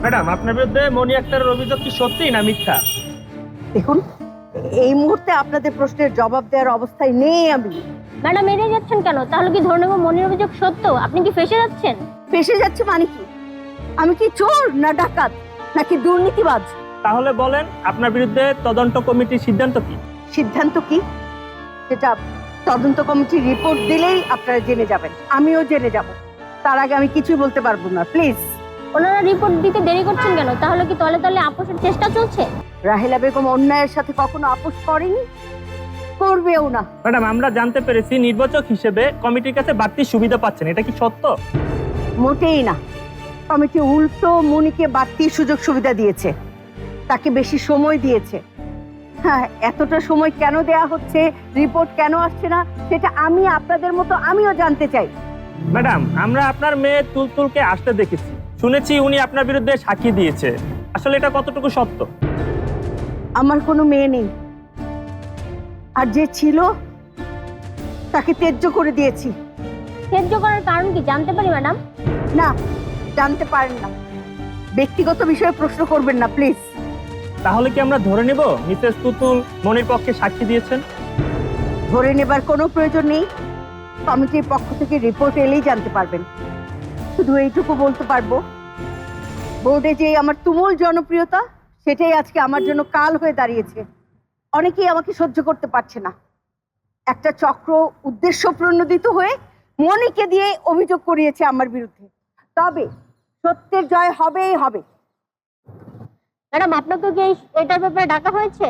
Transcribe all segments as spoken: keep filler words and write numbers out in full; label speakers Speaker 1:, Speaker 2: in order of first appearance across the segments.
Speaker 1: Madam, আপনার বিরুদ্ধে মনি আক্তারের অভিযোগ কি সত্যি না মিথ্যা?
Speaker 2: দেখুন, এই মুহূর্তে আপনাদের প্রশ্নের জবাব দেওয়ার অবস্থায় নেই আমি।
Speaker 3: ম্যাডাম এড়িয়ে যাচ্ছেন কেন? তাহলে কি ধরে নেব মনির অভিযোগ সত্য? আপনি কি ফেঁসে যাচ্ছেন?
Speaker 2: ফেসে যাচ্ছে মানে কি? আমি কি চোর না ডাকাত নাকি দুর্নীতিবাজ?
Speaker 1: তাহলে বলেন, আপনার বিরুদ্ধে তদন্ত কমিটির সিদ্ধান্ত কি?
Speaker 2: সিদ্ধান্ত কি সেটা তদন্ত কমিটির রিপোর্ট দিলেই আপনারা জেনে যাবেন, আমিও জেনে যাব। তার আগে আমি কিছুই বলতে পারবো না, প্লিজ।
Speaker 3: ওনারা রিপোর্ট দিতে দেরি করছেন কেন? তাহলে কি তলে তলে আপোষের চেষ্টা চলছে?
Speaker 2: রাহেলা বেগম অন্যায়ের সাথে কখনো আপোষ করেনি, করবেও না।
Speaker 1: ম্যাডাম, আমরা জানতে পেরেছি নির্বাচক হিসেবে কমিটির কাছে বাড়তি সুবিধা পাচ্ছেন, এটা কি সত্য?
Speaker 2: মোটেই না। কমিটি উল্টো মনিকে বাড়তি সুযোগ সুবিধা দিয়েছে, তাকে বেশি সময় দিয়েছে। হ্যাঁ, এতটা সময় কেন দেয়া হচ্ছে, রিপোর্ট কেন আসছে না, সেটা আমি আপনাদের মতো আমিও জানতে চাই।
Speaker 1: ম্যাডাম, আমরা আপনার মেয়ে তুলতুলকে আসতে দেখেছি, শুনেছি উনি আপনার বিরুদ্ধে সাক্ষী দিয়েছে। আসলে এটা কতটুকু সত্য?
Speaker 2: আমার কোনো মেয়ে নেই, আর যে ছিল তাকে ত্যায্য করে দিয়েছি।
Speaker 3: ত্যায্য করার কারণ কি জানতে পারি ম্যাডাম?
Speaker 2: না, জানতে পারেন না। ব্যক্তিগত বিষয়ে প্রশ্ন করবেন না প্লিজ।
Speaker 1: তাহলে কি আমরা ধরে নেব মিসেস তুতুল মনির পক্ষে সাক্ষী দিয়েছেন?
Speaker 2: ধরে নেবার কোনো প্রয়োজন নেই, কমিটির পক্ষ থেকে রিপোর্ট এলেই জানতে পারবেন। শুধু এইটুকু বলতে পারবো, বোর্ডে যে আমার তুমুল জনপ্রিয়তা, সেটাই আজকে আমার জন্য কাল হয়ে দাঁড়িয়েছে। অনেকেই আমাকে সহ্য করতে পারছে না। একটা চক্র উদ্দেশ্য প্রণোদিত হয়ে মনিকে দিয়ে অভিযোগ করিয়েছে আমার বিরুদ্ধে। তবে সত্যের জয় হবেই হবে।
Speaker 3: ম্যাডাম আপনাকে কি এই- এটার ব্যাপারে ডাকা হয়েছে?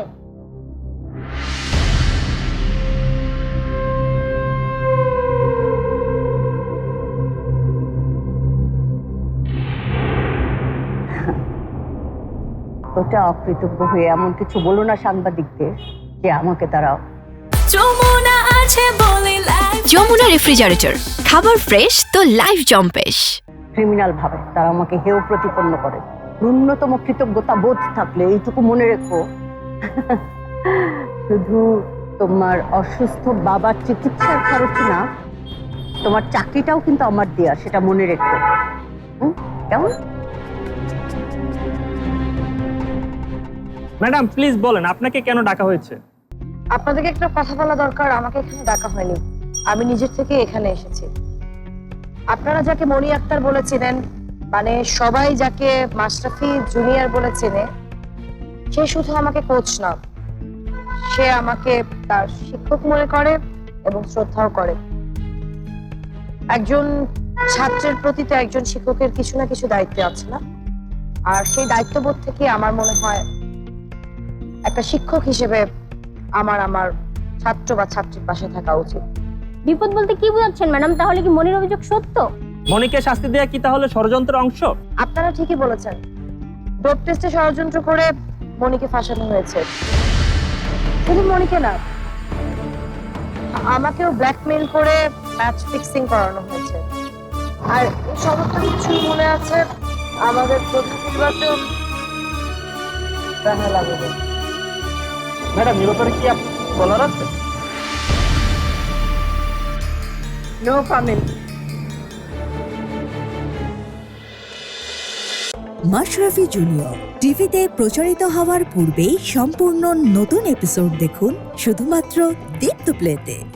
Speaker 2: ওটা অকৃতজ্ঞ হয়ে এমন কিছু বলো না সাংবাদিকদের যে আমাকে তারা।
Speaker 4: যমুনা আছে বলে লাইফ
Speaker 5: যমুনা রেফ্রিজারেটর, খাবার ফ্রেশ তো লাইফ জম্পেশ।
Speaker 2: ক্রিমিনাল ভাবে তারা আমাকে হেয় প্রতিপন্ন করে। ন্যূনতম কৃতজ্ঞতা বোধ থাকলে এইটুকু মনে রেখো, শুধু তোমার অসুস্থ বাবার চিকিৎসার খরচ না, তোমার চাকরিটাও কিন্তু আমার দেয়া, সেটা মনে রেখো। হুম, কেমন?
Speaker 1: ম্যাডাম প্লিজ বলেন, আপনাকে কেন ডাকা হয়েছে?
Speaker 6: আপনাদেরকে একটা কথা বলা দরকার। আমাকে এখানে ডাকা হয়নি, আমি নিজের থেকে এখানে এসেছি। আপনারা যাকে মনি আক্তার বলে চেনেন, মানে সবাই যাকে মাশরাফি জুনিয়র বলে চেনে, সে শুধু আমাকে কোচ না, সে আমাকে তার শিক্ষক মনে করে এবং শ্রদ্ধাও করে। একজন ছাত্রের প্রতি তো একজন শিক্ষকের কিছু না কিছু দায়িত্ব আছে না? আর সেই দায়িত্ববোধ থেকে আমার মনে হয় একটা শিক্ষক হিসেবে আমার আমার ছাত্র বা ছাত্রীর পাশে থাকা উচিত।
Speaker 3: বিপদ বলতে কি বোঝাচ্ছেন ম্যাডাম? তাহলে কি মনির অভিযোগ সত্য?
Speaker 1: মনিকে শাস্তি দেয়া কি তাহলে ষড়যন্ত্রের অংশ?
Speaker 6: আপনারা ঠিকই বলেছেন, ডোপ টেস্টে ষড়যন্ত্র করে মনিকে ফাঁসানো হয়েছে। শুধু মনিকে না, আমাকেও ব্ল্যাকমেইল করে ম্যাচ ফিক্সিং করানো হয়েছে। আর এই সমস্ত কিছু মনে আছে আমাদের প্রধান নির্বাচক রাহেলা বেগম।
Speaker 1: ম্যাডাম, এ ব্যাপারে কি আপনি বলার আছে?
Speaker 2: No comment.
Speaker 7: মাশরাফি জুনিয়র টিভিতে প্রচারিত হওয়ার পূর্বেই সম্পূর্ণ নতুন এপিসোড দেখুন শুধুমাত্র দীপ্ত প্লেতে।